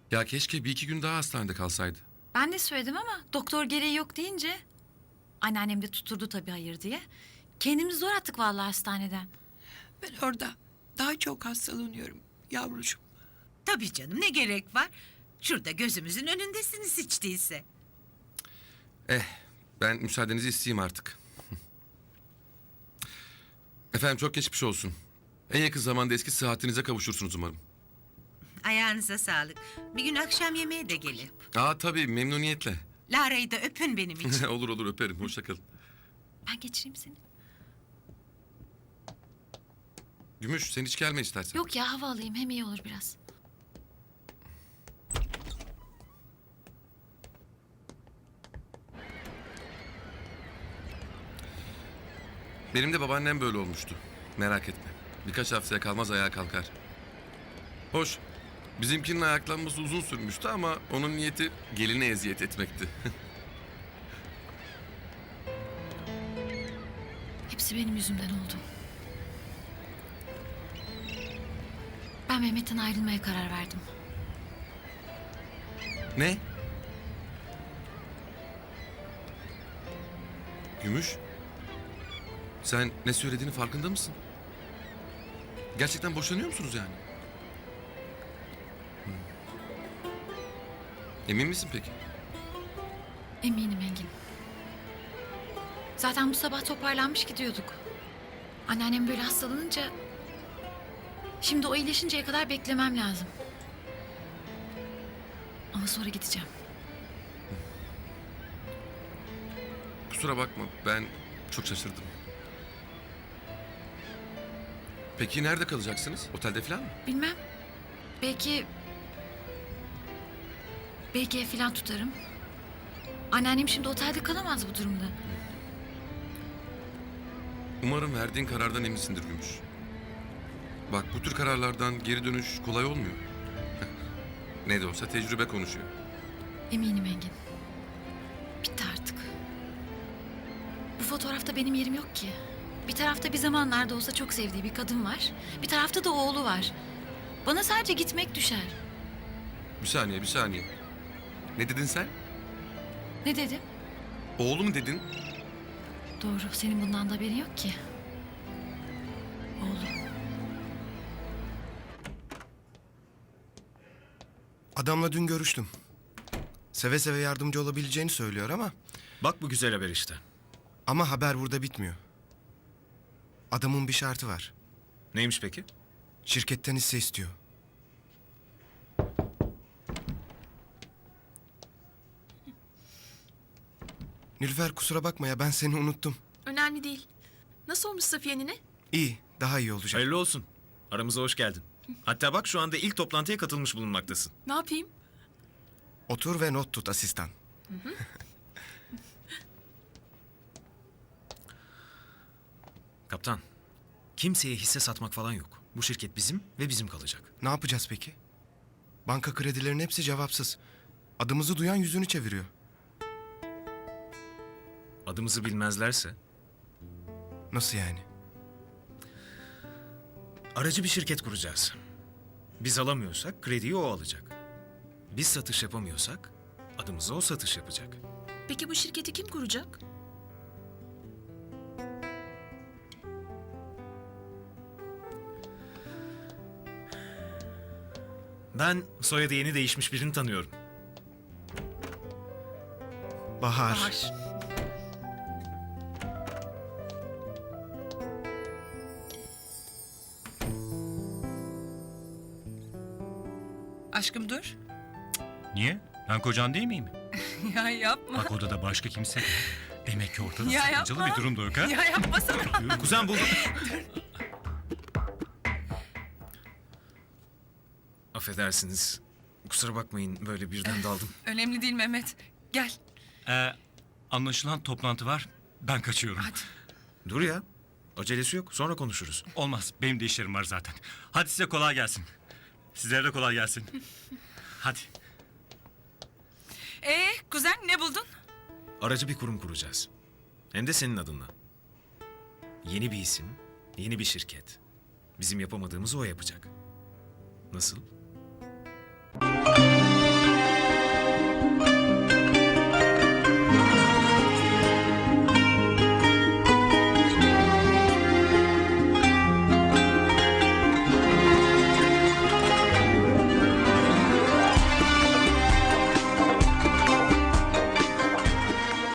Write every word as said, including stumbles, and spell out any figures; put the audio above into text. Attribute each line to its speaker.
Speaker 1: Ya keşke bir iki gün daha hastanede kalsaydı.
Speaker 2: Ben de söyledim ama doktor gereği yok deyince... Anneannem de tuturdu tabii hayır diye. Kendimizi zor attık vallahi hastaneden.
Speaker 3: Ben orada daha çok hastalanıyorum yavrucuğum.
Speaker 4: Tabii canım, ne gerek var? Şurada gözümüzün önündesiniz hiç değilse.
Speaker 1: Eh, ben müsaadenizi isteyeyim artık. Efendim çok geçmiş olsun. En yakın zamanda eski sıhhatinize kavuşursunuz umarım.
Speaker 4: Ayağınıza sağlık. Bir gün akşam yemeğe de gelin.
Speaker 1: Aa tabii memnuniyetle.
Speaker 4: Lara'yı da öpün benim için.
Speaker 1: olur olur öperim. Hoşça kalın.
Speaker 2: Ben geçireyim seni.
Speaker 1: Gümüş sen hiç gelme istersen.
Speaker 2: Yok ya, hava alayım, hem iyi olur biraz.
Speaker 1: Benim de babaannem böyle olmuştu. Merak etme. Birkaç haftaya kalmaz ayağa kalkar. Hoş. Bizimkinin ayaklanması uzun sürmüştü ama onun niyeti geline eziyet etmekti.
Speaker 2: Hepsi benim yüzümden oldu. Ben Mehmet'ten ayrılmaya karar verdim.
Speaker 1: Ne? Gümüş? Sen ne söylediğini farkında mısın? Gerçekten boşanıyor musunuz yani? Hmm. Emin misin peki?
Speaker 2: Eminim Engin. Zaten bu sabah toparlanmış gidiyorduk. Anneannem böyle hastalanınca... Şimdi o iyileşinceye kadar beklemem lazım. Ama sonra gideceğim.
Speaker 1: Kusura bakma ben çok şaşırdım. Peki nerede kalacaksınız? Otelde falan mı?
Speaker 2: Bilmem. Belki... Belki ev falan tutarım. Anneannem şimdi otelde kalamaz bu durumda.
Speaker 1: Umarım verdiğin karardan eminsindir Gümüş. Bak bu tür kararlardan geri dönüş kolay olmuyor. Ne de olsa tecrübe konuşuyor.
Speaker 2: Eminim Engin. Bitti artık. Bu fotoğrafta benim yerim yok ki. Bir tarafta bir zamanlarda olsa çok sevdiği bir kadın var. Bir tarafta da oğlu var. Bana sadece gitmek düşer.
Speaker 1: Bir saniye bir saniye. Ne dedin sen?
Speaker 2: Ne dedim?
Speaker 1: Oğlu mu dedin?
Speaker 2: Doğru, senin bundan da haberin yok ki. Oğlum.
Speaker 5: Adamla dün görüştüm. Seve seve yardımcı olabileceğini söylüyor ama...
Speaker 6: Bak bu güzel haber işte.
Speaker 5: Ama haber burada bitmiyor. Adamın bir şartı var.
Speaker 6: Neymiş peki?
Speaker 5: Şirketten hisse istiyor. Nilüfer kusura bakma ya ben seni unuttum.
Speaker 7: Önemli değil. Nasıl olmuş Safiye nene?
Speaker 5: İyi, daha iyi olacak.
Speaker 6: Hayırlı olsun. Aramıza hoş geldin. Hatta bak şu anda ilk toplantıya katılmış bulunmaktasın.
Speaker 7: Ne yapayım?
Speaker 5: Otur ve not tut asistan.
Speaker 6: Kaptan, kimseye hisse satmak falan yok. Bu şirket bizim ve bizim kalacak.
Speaker 5: Ne yapacağız peki? Banka kredilerinin hepsi cevapsız. Adımızı duyan yüzünü çeviriyor.
Speaker 6: Adımızı bilmezlerse
Speaker 5: Nasıl yani?
Speaker 6: aracı bir şirket kuracağız. Biz alamıyorsak krediyi o alacak. Biz satış yapamıyorsak adımıza o satış yapacak.
Speaker 7: Peki bu şirketi kim kuracak?
Speaker 6: Ben soyadı yeni değişmiş birini tanıyorum.
Speaker 5: Bahar.
Speaker 7: Bahar.
Speaker 3: Aşkım dur.
Speaker 8: Niye? Ben kocan değil miyim?
Speaker 3: Ya yapma.
Speaker 8: Bak odada başka kimse de. Demek ki ortada
Speaker 3: Ya
Speaker 8: sakıncalı
Speaker 3: yapma.
Speaker 8: bir durum da yok ha?
Speaker 3: Ya yapmasana.
Speaker 6: Kuzen buldum. Affedersiniz. Kusura bakmayın böyle birden daldım.
Speaker 3: Önemli değil Mehmet. Gel.
Speaker 8: Ee, anlaşılan toplantı var. Ben kaçıyorum.
Speaker 3: Hadi.
Speaker 6: Dur ya. Acelesi yok. Sonra konuşuruz.
Speaker 8: Olmaz. Benim de işlerim var zaten. Hadi size kolay gelsin. Sizlere de kolay gelsin. Hadi.
Speaker 3: Ee kuzen ne buldun?
Speaker 6: Aracı bir kurum kuracağız. Hem de senin adınla. Yeni bir isim, yeni bir şirket. Bizim yapamadığımızı o yapacak. Nasıl?